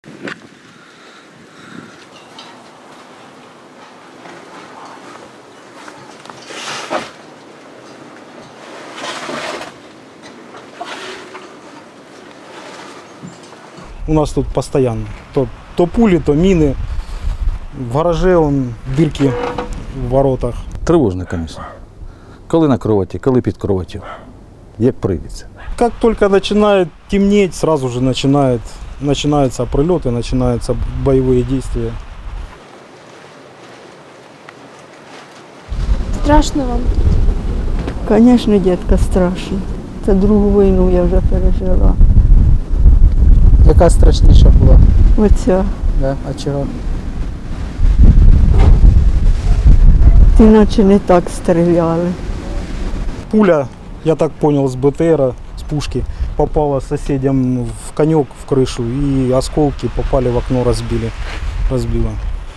У нас тут постоянно. То пули, то мины. В гараже дырки в воротах. Тривожно, звісно. Коли на кроваті, коли під кроватю. Як прийдеться. Как только начинает темнеть, сразу же начинаются прилеты, начинаются боевые действия. Страшно вам? Звісно, дітка, страшно. Це другу війну я вже пережила. Яка страшніша була? Оця. Да? А чого? Іначе не так стріляли. Пуля, я так понял, с БТРа, с пушки, попала соседям в конек, в крышу, и осколки попали в окно, разбило.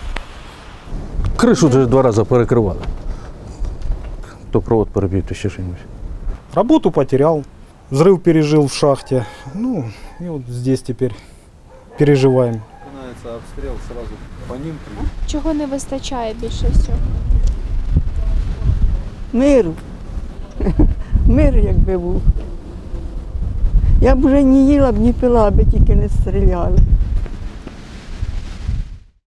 Кришу вже 2 рази перекривали. То провод перебив, то ще щось. Работу потерял, взрыв пережил в шахте. Ну, и вот здесь теперь переживаем. Начинается обстрел, сразу по ним. Чого не вистачає більше всього? Миру. Мир якби був. Я б вже не їла б, не пила, аби тільки не стріляли.